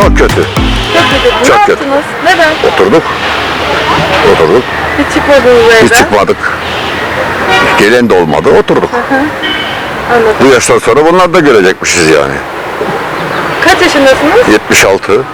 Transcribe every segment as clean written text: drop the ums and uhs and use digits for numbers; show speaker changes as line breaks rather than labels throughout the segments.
Çok kötü.
Çok kötü.
Çok
Ne
kötü.
yaptınız? Neden?
Oturduk.
Hiç çıkmadınız evden.
Hiç çıkmadık. Gelen de olmadı. Oturduk.
Anladım.
Bu yaştan sonra bunlar da görecekmişiz yani.
Kaç yaşındasınız?
76.
66.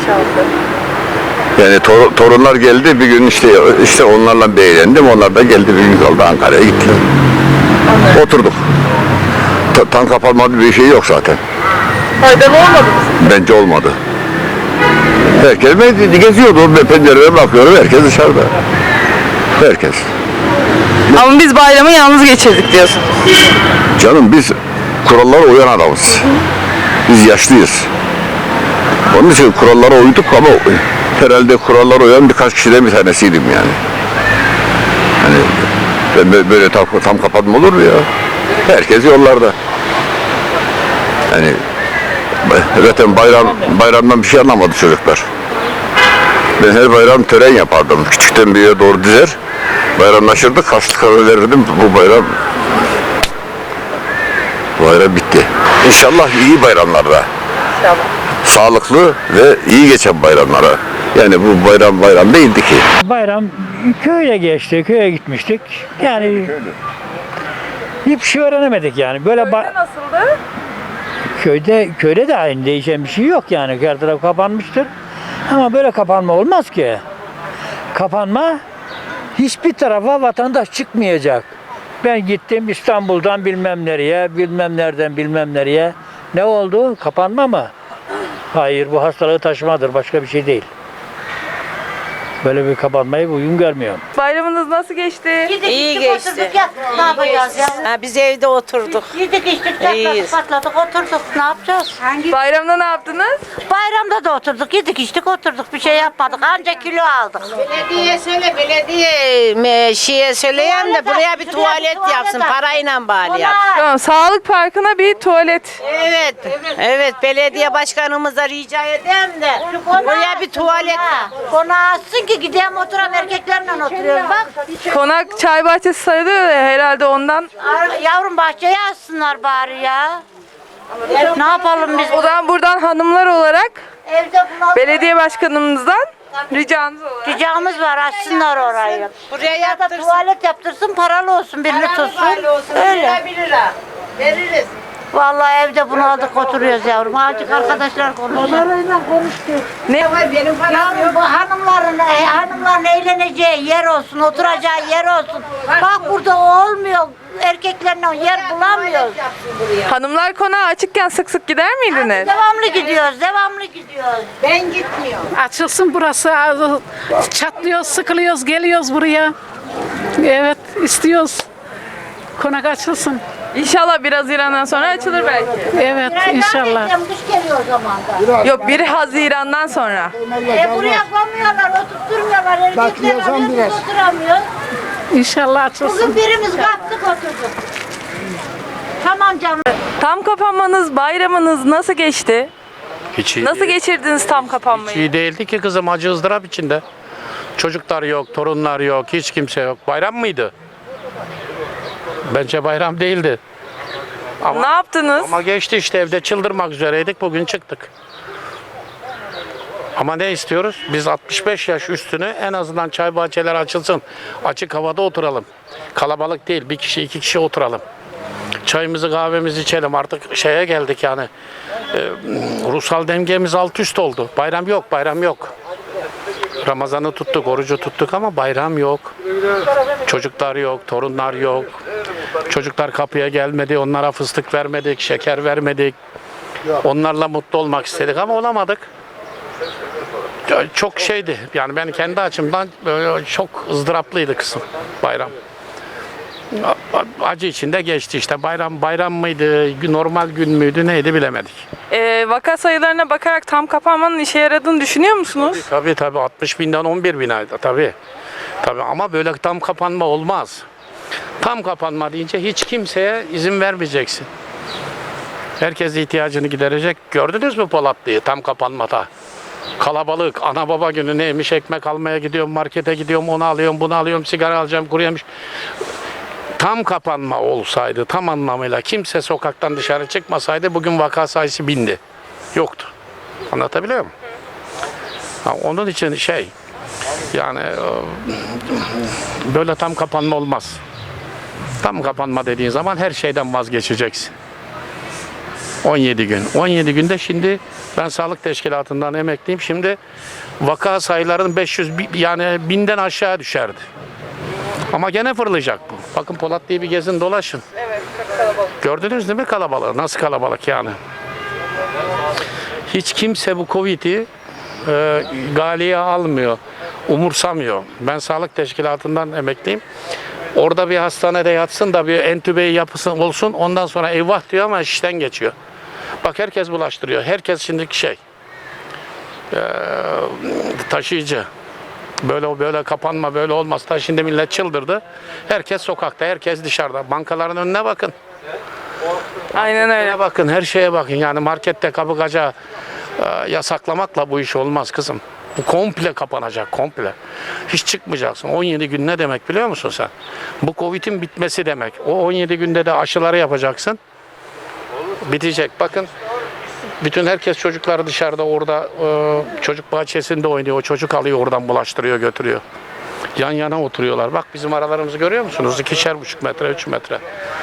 Yani torunlar geldi bir gün işte onlarla beğendim. Onlar da geldi bir gün kaldı Ankara'ya gittiler.
Anladım.
Oturduk. Tam kapanmadı bir şey yok zaten.
Faydalı olmadı mı?
Bence olmadı. Herkes geziyordu. Ben pencereye bakıyorum. Herkes dışarıda. Herkes.
Ama biz bayramı yalnız geçirdik diyorsunuz.
Canım biz kurallara uyan adamız. Biz yaşlıyız. Onun için kurallara uyduk ama herhalde kurallara uyan birkaç kişiden bir tanesiydim yani. Hani böyle tam kapatma olur mu ya? Herkes yollarda. Yani zaten bayramdan bir şey anlamadı çocuklar. Ben her bayram tören yapardım. Küçükten büyüğe doğru dizer. Bayramlaşırdık, harçlık verirdim. Bu bayram bitti. İnşallah iyi bayramlarda.
İnşallah.
Sağlıklı ve iyi geçen bayramlara. Yani bu bayram değildi ki.
Bayram köye geçti, köye gitmiştik. Yani hiçbir şey öğrenemedik yani. Böyle
Köyde nasıldı?
köyde de aynı değişen bir şey yok yani. Her taraf kapanmıştır. Ama böyle kapanma olmaz ki. Kapanma hiçbir tarafa vatandaş çıkmayacak. Ben gittim İstanbul'dan bilmem nereye, bilmem nereden bilmem nereye. Ne oldu? Kapanma mı? Hayır, bu hastalığı taşımadır, başka bir şey değil. Böyle bir kapanmayı uygun görmüyorum.
Bayramınız nasıl geçti?
İyi geçti.
Ne yapacağız ya?
Ha, biz evde oturduk.
Yedik içtik,
İyiyiz.
patladık, oturduk. Ne yapacağız?
Bayramda ne yaptınız?
Bayramda da oturduk, yedik içtik, oturduk. Bir şey yapmadık. Ancak kilo aldık.
Belediye söyle, şeye söyleyen de buraya bir tuvalet yapsın parayla bari yap.
Tamam, Sağlık Parkı'na bir tuvalet.
Evet, belediye başkanımıza rica edeyim de buraya bir tuvalet.
Konağı açsın ki gideyim oturan erkeklerle oturuyoruz bak.
Konak çay bahçesi sayılıyor ya, herhalde ondan.
Yavrum bahçeye açsınlar bari ya. Ne yapalım biz?
O zaman buradan hanımlar olarak
Evde bunu
belediye başkanımızdan ricamız olarak.
ricamız var, açsınlar orayı.
Buraya
Ya da
yaptırsın.
tuvalet yaptırsın, paralı olsun, birini tutsun. Öyle.
1 lira veririz.
Vallahi evde bunu aldık oturuyoruz yavrum. Azıcık arkadaşlar konuşuyor. Onlarla konuştuk.
Ne?
Benim param
Yavrum bu hanımların eğleneceği yer olsun, oturacağı yer olsun. Bak burada o olmuyor. Erkeklerle yer bulamıyoruz.
Hanımlar konağı açıkken sık sık gider miydiniz?
Devamlı gidiyoruz, devamlı gidiyoruz.
Ben gitmiyorum.
Açılsın burası. Çatlıyoruz, sıkılıyoruz, geliyoruz buraya. Evet, istiyoruz. Konak açılsın.
İnşallah 1 Haziran'dan sonra açılır belki.
Evet, inşallah.
Kış geliyor o zaman da.
Yok, 1 Haziran'dan sonra.
Buraya koymuyorlar, oturtturmuyorlar. Erkekler arıyoruz, oturamıyor.
İnşallah açılsın.
Bugün birimiz kalktık oturduk. Tamam canım.
Tam kapanmanız, bayramınız nasıl geçti?
Hiç iyi,
Nasıl geçirdiniz tam kapanmayı?
iyi değildi ki kızım, acı ızdırap içinde. Çocuklar yok, torunlar yok, hiç kimse yok. Bayram mıydı? Bence bayram değildi.
Ne yaptınız?
Ama geçti işte, evde çıldırmak üzereydik, bugün çıktık. Ama ne istiyoruz? Biz 65 yaş üstünü en azından çay bahçeleri açılsın. Açık havada oturalım. Kalabalık değil, 1 kişi 2 kişi oturalım. Çayımızı kahvemizi içelim, artık şeye geldik yani. Ruhsal dengemiz alt üst oldu. Bayram yok, bayram yok. Ramazan'ı tuttuk, orucu tuttuk ama bayram yok. Çocuklar yok, torunlar yok. Çocuklar kapıya gelmedi, onlara fıstık vermedik, şeker vermedik. Onlarla mutlu olmak istedik ama olamadık. Çok şeydi, yani ben kendi açımdan böyle çok ızdıraplıydı kısım bayram. Acı içinde geçti işte. Bayram mıydı, normal gün müydü, neydi bilemedik.
Vaka sayılarına bakarak tam kapanmanın işe yaradığını düşünüyor musunuz?
Tabii 60 binden 11 bin ayda tabii. Ama böyle tam kapanma olmaz. Tam kapanma deyince hiç kimseye izin vermeyeceksin. Herkes ihtiyacını giderecek. Gördünüz mü Polatlı'yı tam kapanmada? Kalabalık, ana baba günü neymiş, ekmek almaya gidiyorum, markete gidiyorum, onu alıyorum, bunu alıyorum, sigara alacağım, kuru yemiş. Tam kapanma olsaydı, tam anlamıyla kimse sokaktan dışarı çıkmasaydı bugün vaka sayısı 1000'di. Yoktu. Anlatabiliyor muyum? Onun için yani böyle tam kapanma olmaz. Tam kapanma dediğin zaman her şeyden vazgeçeceksin. 17 gün. 17 günde şimdi ben sağlık teşkilatından emekliyim. Şimdi vaka sayılarının 500 yani 1000'den aşağı düşerdi. Ama gene fırlayacak bu. Bakın Polat diye bir gezin dolaşın.
Evet, çok kalabalık.
Gördünüz değil mi kalabalığı? Nasıl kalabalık yani? Hiç kimse bu Covid'i galeye almıyor, umursamıyor. Ben sağlık teşkilatından emekliyim. Orada bir hastanede yatsın da bir entübeyi yapısın olsun, ondan sonra eyvah diyor ama işten geçiyor. Bak herkes bulaştırıyor. Herkes şimdiki taşıyıcı. Böyle kapanma, böyle olmaz. Ta şimdi millet çıldırdı. Herkes sokakta, herkes dışarıda. Bankaların önüne bakın.
Aynen öyle.
Bakın, her şeye bakın. Yani markette kapıkaca yasaklamakla bu iş olmaz kızım. Bu komple kapanacak, komple. Hiç çıkmayacaksın. 17 gün ne demek biliyor musun sen? Bu Covid'in bitmesi demek. O 17 günde de aşıları yapacaksın. Bitecek. Bakın, bütün herkes çocukları dışarıda orada çocuk bahçesinde oynuyor. O çocuk alıyor oradan bulaştırıyor, götürüyor. Yan yana oturuyorlar. Bak bizim aralarımızı görüyor musunuz? 2,5 metre, 3 metre.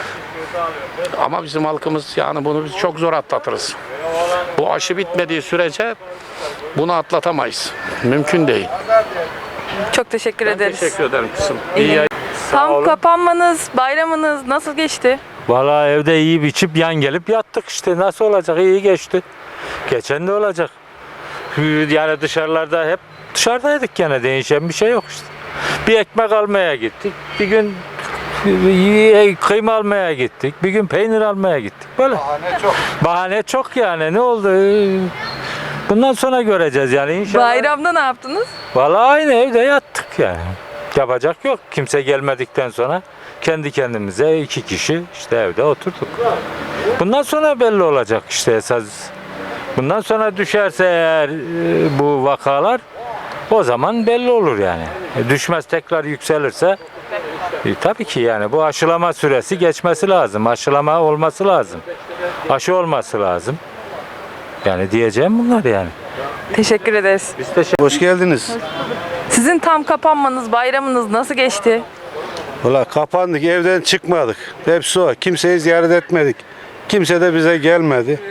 Ama bizim halkımız yani bunu biz çok zor atlatırız. Bu aşı bitmediği sürece bunu atlatamayız. Mümkün değil.
Çok teşekkür ederiz.
Teşekkür ederim kızım.
İyi. Tam kapanmanız, bayramınız nasıl geçti?
Vallahi evde yiyip içip yan gelip yattık işte. Nasıl olacak? İyi geçti. Geçen de olacak. Yani dışarılarda hep dışarıdaydık gene. Değişen bir şey yok işte. Bir ekmek almaya gittik. Bir gün kıyma almaya gittik. Bir gün peynir almaya gittik. Böyle. Bahane çok yani. Ne oldu? Bundan sonra göreceğiz yani inşallah.
Bayramda ne yaptınız?
Vallahi aynı evde yattık yani. Yapacak yok. Kimse gelmedikten sonra kendi kendimize 2 kişi işte evde oturduk. Bundan sonra belli olacak işte esas. Bundan sonra düşerse eğer bu vakalar o zaman belli olur yani. Düşmez tekrar yükselirse tabii ki yani bu aşılama süresi geçmesi lazım. Aşılama olması lazım. Aşı olması lazım. Yani diyeceğim bunlar yani.
Teşekkür ederiz.
Hoş geldiniz.
Sizin tam kapanmanız, bayramınız nasıl geçti?
Valla kapandık, evden çıkmadık. Hepsi o. Kimseyi ziyaret etmedik. Kimse de bize gelmedi.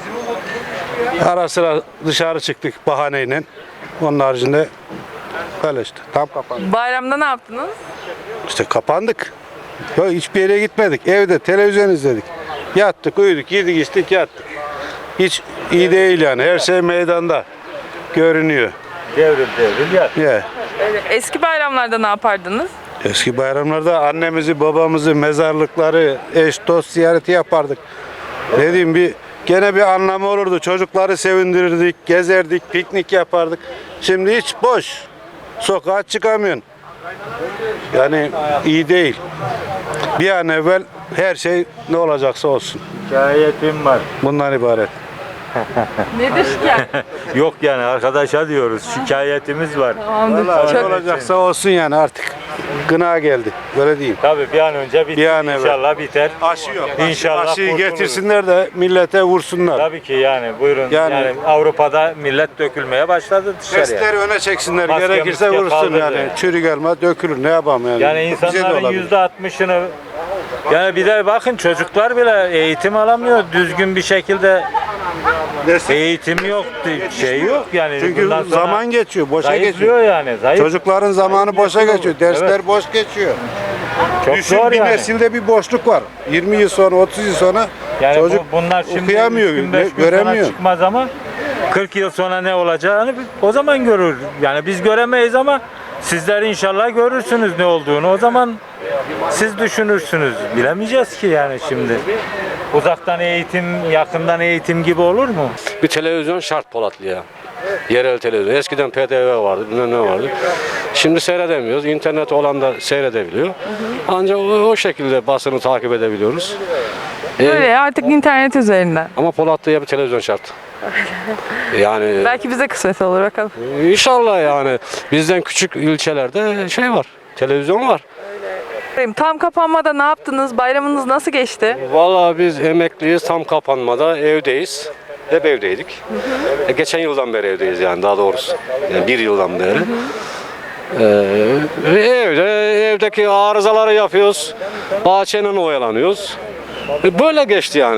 Ara sıra dışarı çıktık bahaneyle. Onun haricinde böyle işte. Tam kapandık.
Bayramda ne yaptınız?
İşte kapandık. Yok, hiçbir yere gitmedik. Evde televizyon izledik. Yattık, uyuduk, yedik, içtik, yattık. Hiç iyi değil yani. Her şey meydanda görünüyor.
Devrim yat.
Ya.
Eski bayramlarda ne yapardınız?
Eski bayramlarda annemizi, babamızı, mezarlıkları, eş, dost ziyareti yapardık. Ne diyeyim, gene bir anlamı olurdu. Çocukları sevindirirdik, gezerdik, piknik yapardık. Şimdi hiç boş. Sokağa çıkamıyorsun. Yani iyi değil. Bir an evvel her şey ne olacaksa olsun.
Şikayetim var.
Bundan ibaret.
Nedir şikayet?
Yok yani arkadaşa diyoruz. Şikayetimiz var.
Tamamdır.
Vallahi ne
Çok
olacaksa olsun yani artık. Gına geldi. Böyle diyeyim.
Tabii bir an önce biter.
Bir an evvel.
İnşallah biter.
Aşı yok.
İnşallah
Aşıyı
kurtuluruz.
getirsinler de millete vursunlar.
Tabii ki yani buyurun. Yani, Avrupa'da millet dökülmeye başladı dışarıya.
Testleri öne çeksinler.
Maske,
Gerekirse
maske
vursun
kaldırdı.
yani. Çürük elma dökülür. Ne yapalım yani.
Yani
Bize de
insanların
olabilir.
%60'ını yani bir de bakın çocuklar bile eğitim alamıyor. Düzgün bir şekilde eğitim yok, şey yok yani.
Çünkü
bundan sonra
zaman geçiyor, boşa
zayıflıyor
geçiyor.
yani. Zayıf.
Çocukların zamanı boşa geçiyor. Dersler
Evet.
boş geçiyor.
Çok
Düşün,
zor
bir
yani.
nesilde bir boşluk var. 20 yıl sonra, 30 yıl sonra
Yani
çocuk
bunlar şimdi
okuyamıyor,
3 gün, 5 gün
göremiyor.
sonra çıkmaz ama 40 yıl sonra ne olacağını o zaman görür. Yani biz göremeyiz ama sizler inşallah görürsünüz ne olduğunu. O zaman siz düşünürsünüz. Bilemeyeceğiz ki yani şimdi. Uzaktan eğitim, yakından eğitim gibi olur mu?
Bir televizyon şart Polatlı'ya. Yerel televizyon. Eskiden PDV vardı, bilmem ne vardı. Şimdi seyredemiyoruz. İnternet olan da seyredebiliyor. Ancak o şekilde basını takip edebiliyoruz.
Böyle artık internet üzerinden.
Ama Polatlı'ya bir televizyon şart. Yani
Belki bize kısmet olur bakalım.
inşallah yani bizden küçük ilçelerde şey var. Televizyon var.
Tam kapanmada ne yaptınız? Bayramınız nasıl geçti?
Vallahi biz emekliyiz, tam kapanmada evdeyiz. hep evdeydik. Geçen yıldan beri evdeyiz yani daha doğrusu. Yani bir yıldan beri. Evdeki arızaları yapıyoruz. Bahçenin oyalanıyoruz. Böyle geçti yani.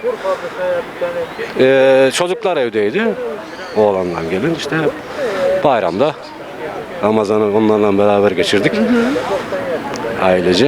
Çocuklar evdeydi. Oğlandan gelin işte bayramda Ramazan'ı onlarla beraber geçirdik. Ailece.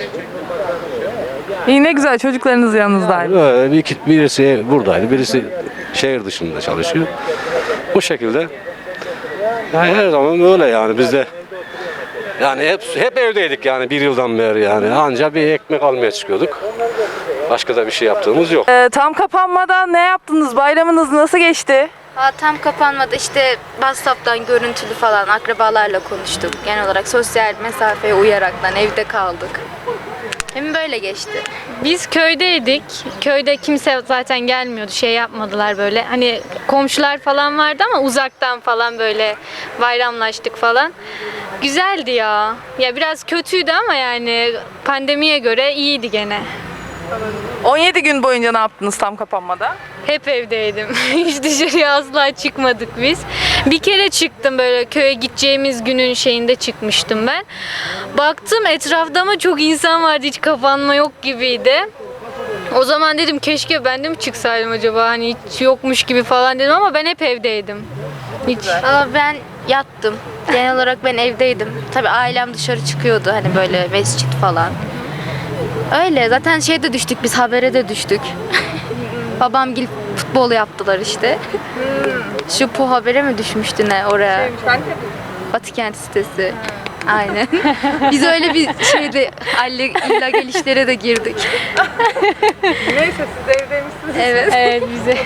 İyi, ne güzel, çocuklarınız yanınızdaydı.
Birisi buradaydı, birisi şehir dışında çalışıyor. Bu şekilde. Yani her zaman böyle yani bizde. Yani hep evdeydik yani bir yıldan beri yani. Anca bir ekmek almaya çıkıyorduk. Başka da bir şey yaptığımız yok.
Tam kapanmadan ne yaptınız? Bayramınız nasıl geçti?
Tam kapanmadı işte WhatsApp'tan görüntülü falan akrabalarla konuştuk. Genel olarak sosyal mesafeye uyaraktan evde kaldık. Hem böyle geçti.
Biz köydeydik. Köyde kimse zaten gelmiyordu. Şey yapmadılar böyle. Hani komşular falan vardı ama uzaktan falan böyle bayramlaştık falan. Güzeldi ya. Ya biraz kötüydü ama yani pandemiye göre iyiydi gene.
17 gün boyunca ne yaptınız tam kapanmada?
Hep evdeydim. Hiç dışarıya asla çıkmadık biz. Bir kere çıktım böyle köye gideceğimiz günün şeyinde çıkmıştım ben. Baktım etrafta ama çok insan vardı. Hiç kapanma yok gibiydi. O zaman dedim keşke ben de mi çıksaydım acaba hani hiç yokmuş gibi falan dedim ama ben hep evdeydim. Hiç.
Ben yattım. Genel olarak ben evdeydim. Tabii ailem dışarı çıkıyordu hani böyle mescit falan. Öyle zaten şeyde düştük biz habere de düştük. Babamgil futbol yaptılar işte. Şu Po Haber'e mi düşmüştü ne oraya? Batı Kent sitesi. Aynen. Biz öyle bir şeyde illa gelişlere de girdik.
Neyse, siz de evdeymişsiniz.
Evet.
Evet bize.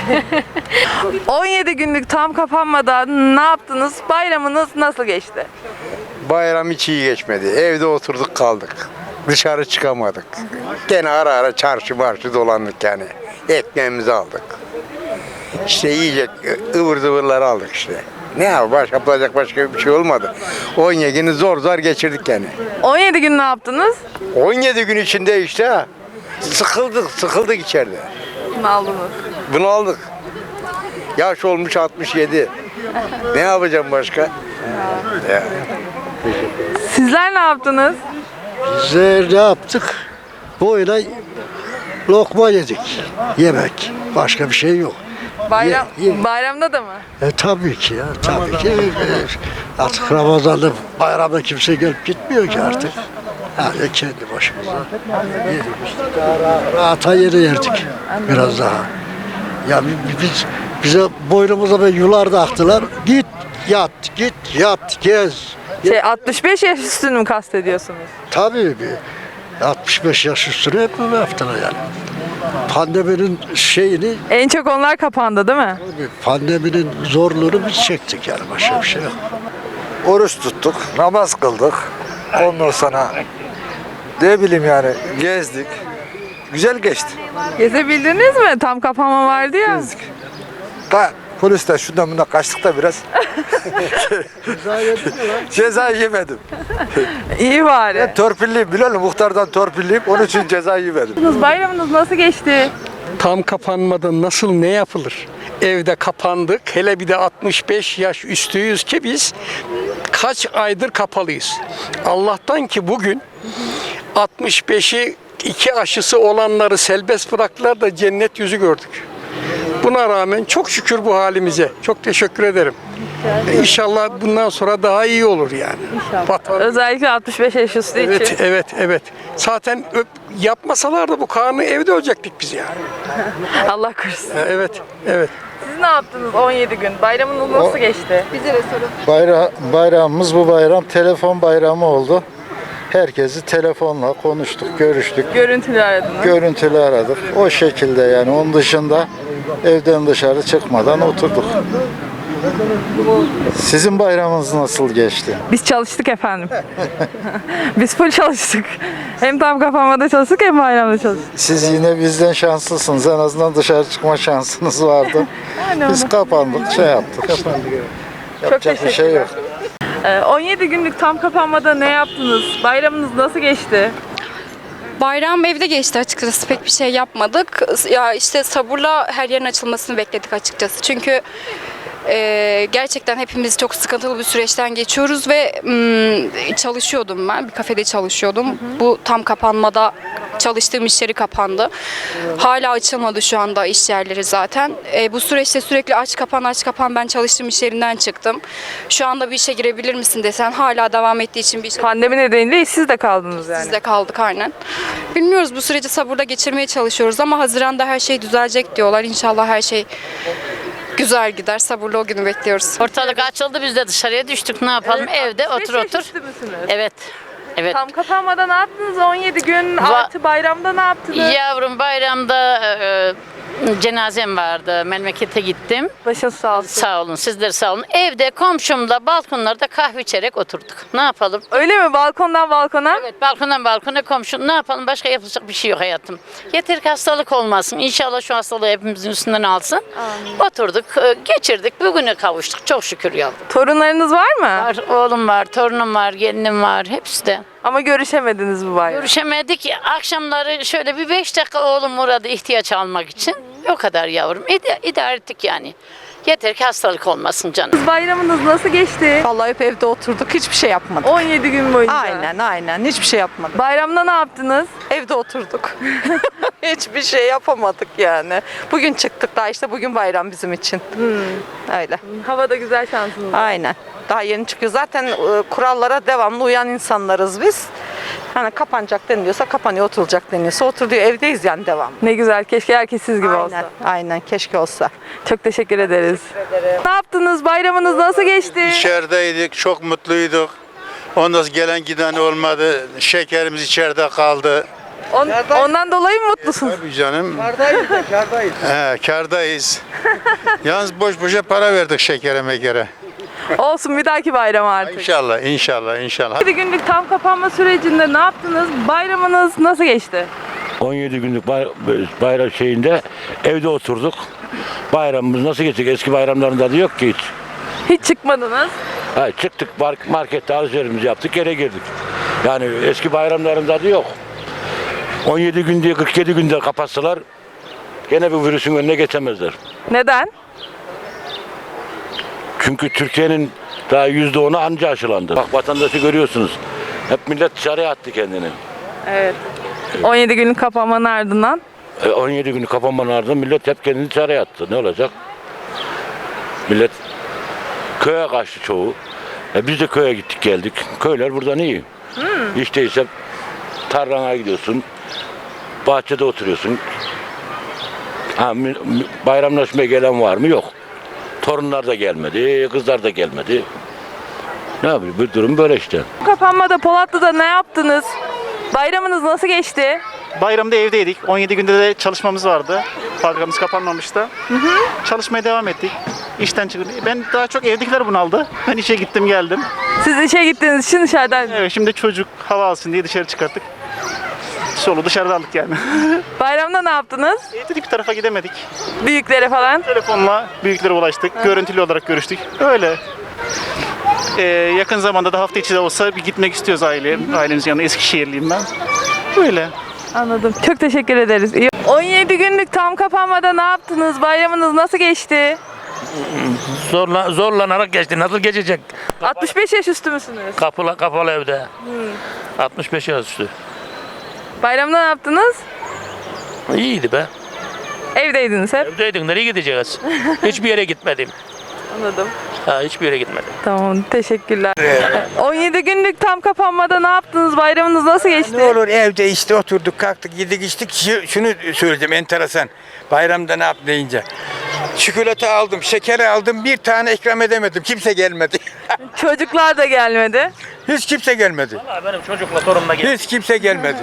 17 günlük tam kapanmadan ne yaptınız? Bayramınız nasıl geçti?
Bayram hiç iyi geçmedi. Evde oturduk kaldık. Dışarı çıkamadık. Gene ara ara çarşı marşı dolandık yani. Ekmeğimizi aldık. İşte yiyecek ıvır zıvırları aldık işte. Ne yapacak başka bir şey olmadı. 17 günü zor zor geçirdik yani.
17 gün ne yaptınız?
17 gün içinde işte sıkıldık içeride.
Ne aldınız?
Bunu aldık. Yaş olmuş 67. Ne yapacağım başka? Ya.
Sizler ne yaptınız?
Biz ne yaptık? Böyle lokma yedik. Yemek. Başka bir şey yok.
Bayramda da mı?
Tabii ki ya. Tabii ki. Artık Ramazan'da bayramda kimse gelip gitmiyor ki artık. Yani kendi başımıza yedik işte. Rahata yere yerdik. Biraz daha. Ya bize boynumuza böyle yular taktılar. Git yat, git yat, gez.
65 yaş üstünü mü kastediyorsunuz?
Tabii 65 yaş üstüne hep böyle yaptılar yani. Pandeminin şeyini,
En çok onlar kapandı değil mi?
pandeminin zorluğunu biz çektik yani başka bir şey yok.
Oruç tuttuk, namaz kıldık. Ondan sonra ne bileyim yani gezdik. Güzel geçti.
Gezebildiniz mi? Tam kapanma vardı ya.
Gezdik. Polisten şundan bundan kaçtık da biraz. Ceza yemedim.
İyi bari.
Ben torpilliyim biliyor musun? Muhtardan torpilliyim. Onun için ceza yemedim.
Bayramınız nasıl geçti?
Tam kapanmadan nasıl ne yapılır? Evde kapandık. Hele bir de 65 yaş üstüyüz ki biz kaç aydır kapalıyız. Allah'tan ki bugün 65'i 2 aşısı olanları serbest bıraktılar da cennet yüzü gördük. Buna rağmen çok şükür bu halimize. Çok teşekkür ederim. İnşallah bundan sonra daha iyi olur yani. İnşallah.
Özellikle 65 yaş üstü için.
Evet. Zaten yapmasalardı bu kanunu evde olacaktık biz yani.
Allah korusun.
Evet.
Siz ne yaptınız 17 gün? Bayramınız nasıl geçti? Bize de sorun.
Bayramımız bu bayram telefon bayramı oldu. Herkesi telefonla konuştuk, görüştük.
Görüntülü aradınız.
Görüntülü aradık. O şekilde yani onun dışında evden dışarı çıkmadan oturduk. Sizin bayramınız nasıl geçti?
Biz çalıştık efendim. Biz full çalıştık. Hem tam kapanmada çalıştık hem bayramda çalıştık.
Siz yine bizden şanslısınız. En azından dışarı çıkma şansınız vardı. Biz kapandık, şey yaptık. Yapacak bir şey yok.
17 günlük tam kapanmada ne yaptınız? Bayramınız nasıl geçti?
Bayram evde geçti açıkçası. Pek bir şey yapmadık. Ya işte sabırla her yerin açılmasını bekledik açıkçası. Çünkü gerçekten hepimiz çok sıkıntılı bir süreçten geçiyoruz ve çalışıyordum ben. Bir kafede çalışıyordum. Bu tam kapanmada çalıştığım iş yeri kapandı. Hala açılmadı şu anda iş yerleri zaten. Bu süreçte sürekli aç kapan ben çalıştığım iş yerinden çıktım. Şu anda bir işe girebilir misin desen hala devam ettiği için bir işe...
Pandemi nedeniyle işsiz de kaldınız yani.
Siz de kaldık aynen. Bilmiyoruz, bu süreci sabırla geçirmeye çalışıyoruz ama Haziran'da her şey düzelecek diyorlar. İnşallah her şey güzel gider. Sabırla o günü bekliyoruz.
Ortalık açıldı, biz de dışarıya düştük. Ne yapalım? Evde otur otur. Evet. Evet.
Tam kapanmada ne yaptınız? 17 gün artı bayramda ne yaptınız?
Yavrum bayramda cenazem vardı. Memlekete gittim.
Başın sağ olsun.
Sağ olun. Sizler sağ olun. Evde komşumla balkonlarda kahve içerek oturduk. Ne yapalım?
Öyle mi? Balkondan balkona?
Evet, balkondan balkona komşum. Ne yapalım? Başka yapılacak bir şey yok hayatım. Yeter ki hastalık olmasın. İnşallah şu hastalığı hepimizin üstünden alsın.
Amin.
Oturduk, geçirdik. Bugüne kavuştuk. Çok şükür yavrum.
Torunlarınız var mı?
Var, oğlum var, torunum var, gelinim var. Hepsi de.
Ama görüşemediniz bu bayram.
Görüşemedik. Akşamları şöyle bir 5 dakika oğlum uğradı ihtiyaç almak için. O kadar yavrum. İdare ettik yani. Yeter ki hastalık olmasın canım.
Bayramınız nasıl geçti?
Vallahi hep evde oturduk, hiçbir şey yapmadık.
17 gün boyunca.
Aynen, hiçbir şey yapmadık.
Bayramda ne yaptınız?
Evde oturduk. Hiçbir şey yapamadık yani. Bugün çıktık daha işte bugün bayram bizim için. Öyle.
Hava da güzel, şansınız var.
Aynen. Daha yeni çıkıyor. Zaten kurallara devamlı uyan insanlarız biz. Hani kapanacak deniliyorsa kapanıyor, oturulacak deniliyorsa oturuyor. Evdeyiz yani devam.
Ne güzel. Keşke herkes siz gibi olsa.
Aynen. Keşke olsa.
Çok teşekkür ederiz. Ne yaptınız? Bayramınız nasıl geçti?
İçerideydik, çok mutluyduk. Ondan sonra gelen giden olmadı. Şekerimiz içeride kaldı.
Ondan dolayı mı mutlusunuz?
Tabii canım.
Kardayız da kardayız.
Kardayız. Yalnız boş boşa para verdik şekere mekere.
Olsun, bir dahaki bayram artık.
İnşallah.
17 günlük tam kapanma sürecinde ne yaptınız? Bayramınız nasıl geçti?
17 günlük bayram şeyinde evde oturduk. Bayramımız nasıl geçecek? Eski bayramların tadı yok ki hiç.
Hiç çıkmadınız.
Ha, çıktık markette alışverişimizi yaptık, eve girdik. Yani eski bayramların tadı yok. 17 günde 47 günde kapatsalar gene bu virüsün önüne geçemezler.
Neden?
Çünkü Türkiye'nin daha %10'u anca aşılandı. Bak vatandaşı görüyorsunuz. Hep millet dışarıya attı kendini.
Evet. 17 günlük kapanmanın ardından.
17 günlük kapanmanın ardından millet hep kendini dışarıya attı. Ne olacak? Millet köye kaçtı çoğu. Biz de köye gittik geldik. Köyler buradan iyi. Hiç değilse tarlana gidiyorsun. Bahçede oturuyorsun. Bayramlaşmaya gelen var mı? Yok. Torunlar da gelmedi, kızlar da gelmedi. Ne yapayım? Bu durum böyle işte.
Kapanmada Polatlı'da ne yaptınız? Bayramınız nasıl geçti?
Bayramda evdeydik. 17 günde de çalışmamız vardı. Fabrikamız kapanmamıştı. Çalışmaya devam ettik. İşten çıktık. Ben daha çok evdekiler bunaldı. Ben işe gittim geldim.
Siz işe gittiğiniz için dışarıdan.
Evet, şimdi çocuk hava alsın diye dışarı çıkarttık. Solu dışarıda aldık yani.
Bayramda ne yaptınız?
Dedik bir tarafa gidemedik.
Büyüklere falan?
Telefonla büyüklere ulaştık. Görüntülü olarak görüştük. Öyle. Yakın zamanda da hafta içi de olsa bir gitmek istiyoruz ailemizin yanına. Eskişehirliyim ben. Böyle.
Anladım. Çok teşekkür ederiz. 17 günlük tam kapanmada ne yaptınız? Bayramınız nasıl geçti?
Zorlanarak geçti. Nasıl geçecek?
65 yaş üstü müsünüz?
Kapalı evde. 65 yaş üstü.
Bayramda ne yaptınız?
İyiydi be.
Evdeydiniz hep.
Evdeydik. Nereye gideceğiz? Hiçbir yere gitmedim.
Anladım.
Hiçbir yere gitmedim.
Tamam, teşekkürler. 17 günlük tam kapanmada ne yaptınız? Bayramınız nasıl geçti?
Ne olur evde işte oturduk, kalktık, yedik, içtik. Şunu söyleyeceğim enteresan. Bayramda ne yap deyince. Çikolata aldım, şeker aldım, bir tane ikram edemedim. Kimse gelmedi.
Çocuklar da gelmedi.
Hiç kimse gelmedi.
Vallahi benim çocukla torunla geldi.
Hiç kimse gelmedi.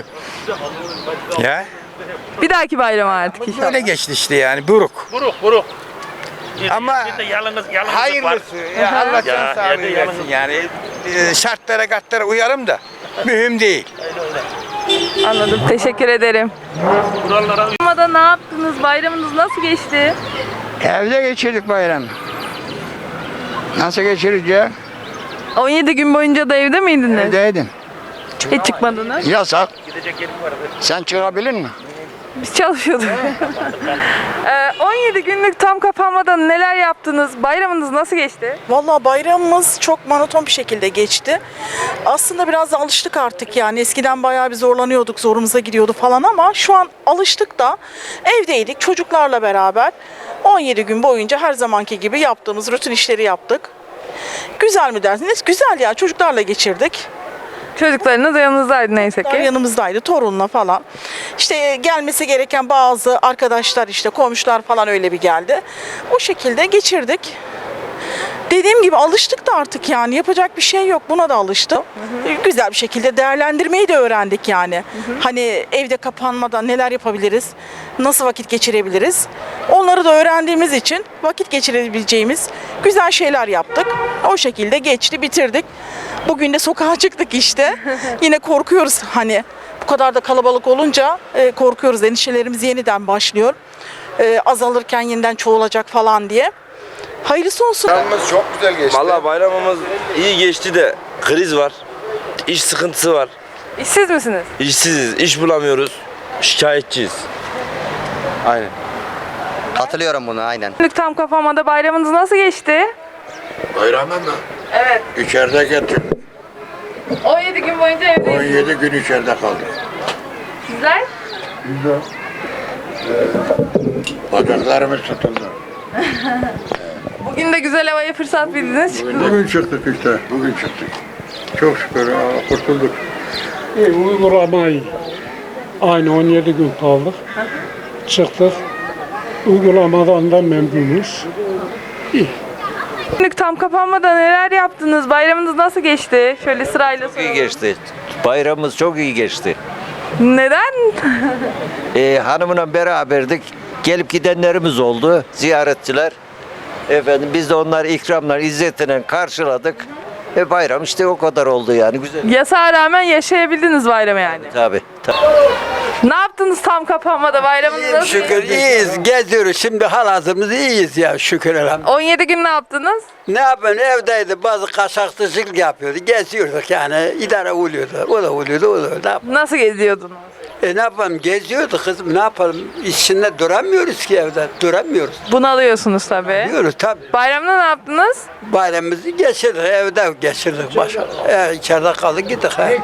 Ya.
Bir dahaki bayram artık inşallah.
Böyle geçti işte yani, buruk.
Buruk.
Ama
yalnızlık
hayırlısı.
var.
Ya Allah can sağlığı versin yani. Şartlara uyarım da mühim değil.
Anladım. Teşekkür ederim. Kapanmada ne yaptınız? Bayramınız nasıl geçti?
Evde geçirdik bayramı. Nasıl geçireceğiz?
17 gün boyunca da evde miydiniz?
Evdeydim.
Hiç çıkmadınız.
Yasak. Sen çıkabilir mi?
Biz çalışıyorduk. 17 günlük tam kapanmadan neler yaptınız? Bayramınız nasıl geçti?
Vallahi bayramımız çok monoton bir şekilde geçti. Aslında biraz da alıştık artık yani. Eskiden bayağı bir zorlanıyorduk, zorumuza gidiyordu falan ama şu an alıştık da evdeydik çocuklarla beraber. 17 gün boyunca her zamanki gibi yaptığımız rutin işleri yaptık. Güzel mi dersiniz? Güzel ya, çocuklarla geçirdik.
Çocuklarınız yanınızdaydı neyse ki.
Yanımızdaydı, torunla falan. İşte gelmesi gereken bazı arkadaşlar, işte komşular falan öyle bir geldi. O şekilde geçirdik. Dediğim gibi alıştık da artık yani yapacak bir şey yok. Buna da alıştım. Güzel bir şekilde değerlendirmeyi de öğrendik yani. Hani evde kapanmadan neler yapabiliriz? Nasıl vakit geçirebiliriz? Onları da öğrendiğimiz için vakit geçirebileceğimiz güzel şeyler yaptık. O şekilde geçti, bitirdik. Bugün de sokağa çıktık işte. Yine korkuyoruz hani bu kadar da kalabalık olunca korkuyoruz. Endişelerimiz yeniden başlıyor. Azalırken yeniden çoğalacak falan diye. Hayırlısı olsun.
Bayramımız çok güzel geçti. Vallahi bayramımız iyi geçti de kriz var. İş sıkıntısı var.
İşsiz misiniz?
İşsiziz, iş bulamıyoruz. Şikayetçiyiz. Aynen.
Katılıyorum buna aynen.
Günlük tam kapanmada bayramınız nasıl geçti?
Bayramda mı?
Evet.
İçeride getirdim.
17 gün boyunca evdeyiz.
17 gün içeride kaldık.
Sizler?
Güzel. Bacaklarımız tutuldu.
Bugün de güzel havaya fırsat bildiniz.
Bugün çıktık işte, bugün çıktık. Çok şükür kurtulduk.
Uygulamayı aynı 17 gün kaldık. Çıktık. Uygulamadan da memnunuz. İyi.
Günlük tam kapanmada neler yaptınız? Bayramınız nasıl geçti? Şöyle sırayla
Çok iyi geçti. Bayramımız çok iyi geçti.
Neden?
Hanımla beraberdik. Gelip gidenlerimiz oldu. Ziyaretçiler. Efendim biz de onları ikramlar, izzetine karşıladık. Bayram işte o kadar oldu yani güzel.
Yasağa rağmen yaşayabildiniz bayramı yani.
Tabii.
Ne yaptınız tam kapanmada? Bayramınız nasıl
Şükür
geçti?
iyiyiz, geziyoruz. Şimdi halazımız iyiyiz ya şükür elhamdülillah.
17 gün ne yaptınız?
Ne yapıyorsun? Evdeydi. Bazı kaçakçılık yapıyordu. Geziyorduk yani. İdare oluyordu. O da oluyordu, o da oluyordu.
Nasıl geziyordunuz?
Ne yapalım? Geziyorduk kızım. Ne yapalım? İçinde duramıyoruz ki evde. Duramıyoruz.
Bunalıyorsunuz tabii.
Bunalıyoruz tabii.
Bayramda ne yaptınız?
Bayramımızı geçirdik. Evde geçirdik maşallah. İçeride kaldık gittik. He.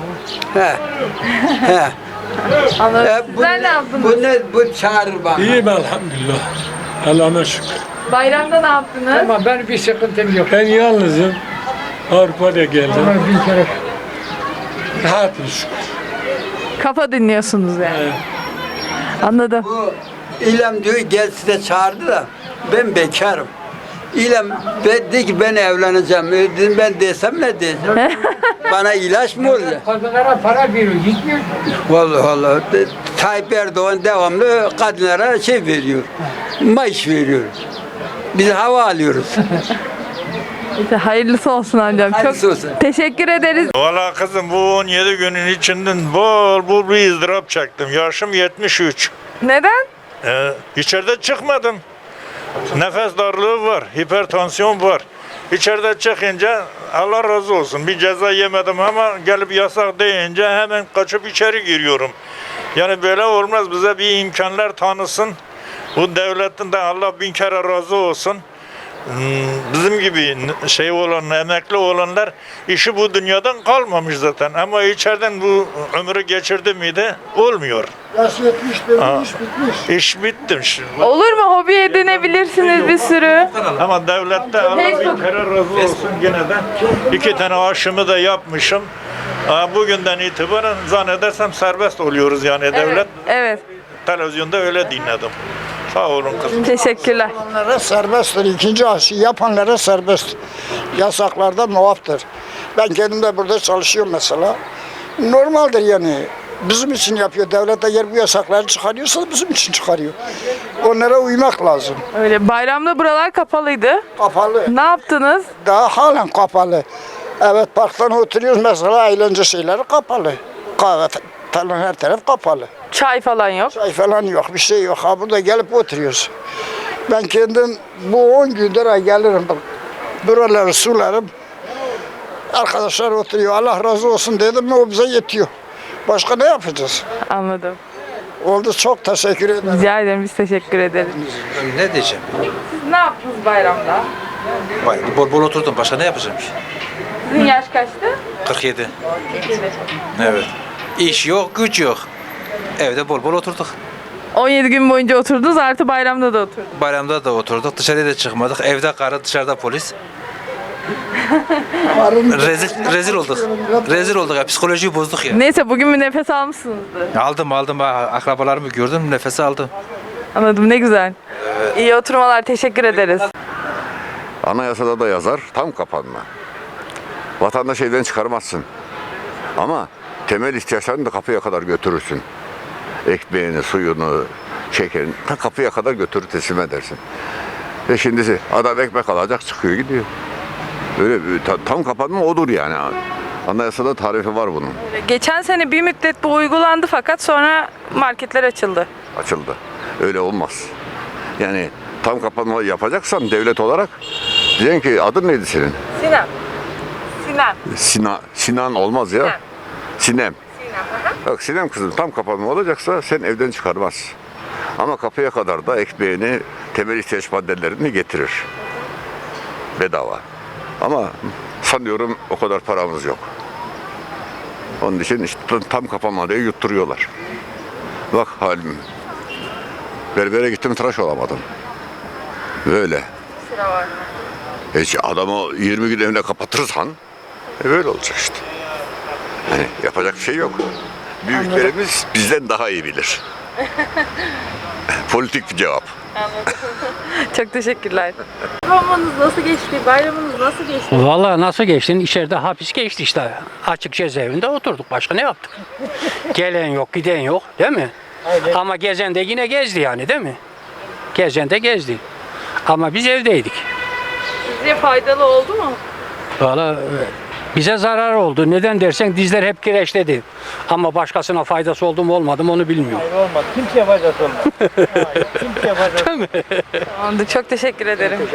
Anladım. Sizler ne yaptınız?
Bu çağırır bana.
İyiyim elhamdülillah. Allah'a şükür.
Bayramda ne yaptınız?
Ama ben bir sıkıntım yok. Ben yalnızım. Avrupa'da geldim. Ama bir kere rahatım şükür.
Kafa dinliyorsunuz yani. Anladım.
Bu İlem diyor gel size çağırdı da ben bekarım. İlem dedi ki ben evleneceğim. Dedim ben desem ne diyeceğim? Bana ilaç mı olacak?
Kadınlara para veriyor, gitmiyor.
Vallahi Tayyip Erdoğan devamlı kadınlara şey veriyor. Maaş veriyor. Biz hava alıyoruz.
İşte hayırlısı olsun amcam.
Hayırlısı
Çok
olsun.
teşekkür ederiz.
Valla kızım bu 17 günün içinden bol bir ızdırap çektim. Yaşım 73.
Neden?
İçeride çıkmadım. Nefes darlığı var, hipertansiyon var. İçeride çıkınca Allah razı olsun bir ceza yemedim ama gelip yasak deyince hemen kaçıp içeri giriyorum. Yani böyle olmaz, bize bir imkanlar tanısın. Bu devletin de Allah bin kere razı olsun. Bizim gibi şey olan, emekli olanlar işi bu dünyadan kalmamış zaten. Ama içeriden bu ömrü geçirdi miydi olmuyor.
Yaş 70 benim iş bitmiş.
İş bitti.
Olur mu? Hobi edinebilirsiniz bir sürü.
Ama devlette Allah bin kere razı olsun gene de. 2 tane aşımı da yapmışım. Bugünden itibaren zannedersem serbest oluyoruz yani devlet.
Evet.
Televizyonda öyle dinledim. Sağ olun kızım.
Teşekkürler.
Yapanlara serbesttir. İkinci aşı yapanlara serbest. Yasaklarda muaftır. Ben kendim de burada çalışıyorum mesela. Normaldir yani. Bizim için yapıyor. Devlet eğer bu yasakları çıkarıyorsa bizim için çıkarıyor. Onlara uymak lazım.
Öyle bayramda buralar kapalıydı.
Kapalı.
Ne yaptınız?
Daha halen kapalı. Evet parktan oturuyoruz mesela eğlence şeyleri kapalı. Kahve falan her taraf kapalı.
Çay falan yok.
Çay falan yok, bir şey yok. Ha burada gelip oturuyoruz. Ben kendim bu 10 gündür gelirim. Buraları sularım. Arkadaşlar oturuyor. Allah razı olsun dedim mi o bize yetiyor. Başka ne yapacağız?
Anladım.
Oldu, çok teşekkür ederim.
Rica ederim, biz teşekkür ederiz.
Ne diyeceğim?
Siz ne yaptınız bayramda?
Bol bol oturdum. Başka ne yapacağım ki?
Sizin yaş kaçtı?
47. Evet. İş yok, güç yok. Evde bol bol oturduk.
17 gün boyunca oturdunuz, artı bayramda da oturdunuz.
Bayramda da oturduk. Dışarıya da çıkmadık. Evde karı, dışarıda polis. Rezil olduk. Rezil olduk ya. Psikolojiyi bozduk ya.
Neyse, bugün bir nefes almışsınızdır.
Aldım. Akrabalarımı gördüm. Nefesi aldım.
Anladım, ne güzel. İyi oturmalar, teşekkür ederiz.
Anayasada da yazar, tam kapanma. Vatandaş evden çıkarmazsın. Ama temel ihtiyaçlarını da kapıya kadar götürürsün. Ekmeğini, suyunu, şekerini ta kapıya kadar götürür teslim edersin. Şimdi adam ekmek alacak, çıkıyor gidiyor. Öyle tam kapanma odur yani. Anayasada tarifi var bunun.
Geçen sene bir müddet bu uygulandı fakat sonra marketler açıldı.
Açıldı. Öyle olmaz. Yani tam kapanma yapacaksan devlet olarak diyeceksin ki adın neydi senin? Sinan olmaz ya. Sinem. Bak Sinem kızım, tam kapanma olacaksa sen evden çıkarmaz. Ama kapıya kadar da ekmeğini, temel ihtiyaç maddelerini getirir. Bedava. Ama sanıyorum o kadar paramız yok. Onun için işte tam kapanma diye yutturuyorlar. Bak halim. Berbere gittim, tıraş olamadım. Böyle. Adamı 20 gün evine kapatırsan böyle olacak işte. Yani yapacak bir şey yok. Büyüklerimiz bizden daha iyi bilir. Politik bir cevap.
Anladım. Çok teşekkürler. Bayramınız nasıl geçti? Bayramınız nasıl geçti?
Vallahi nasıl geçti? İçeride hapis geçti işte. Açık cezaevinde oturduk. Başka ne yaptık? Gelen yok, giden yok, değil mi? Aynen. Ama gezen de yine gezdi yani, değil mi? Gezen de gezdi. Ama biz evdeydik.
Sizce faydalı oldu mu?
Vallahi bize zarar oldu. Neden dersen dizler hep kireçledi. Ama başkasına faydası oldu mu olmadı mı onu bilmiyorum.
Hayır olmadı. Kimseye faydası olmadı. Kimseye faydası olmadı.
Tamamdır. Çok teşekkür ederim.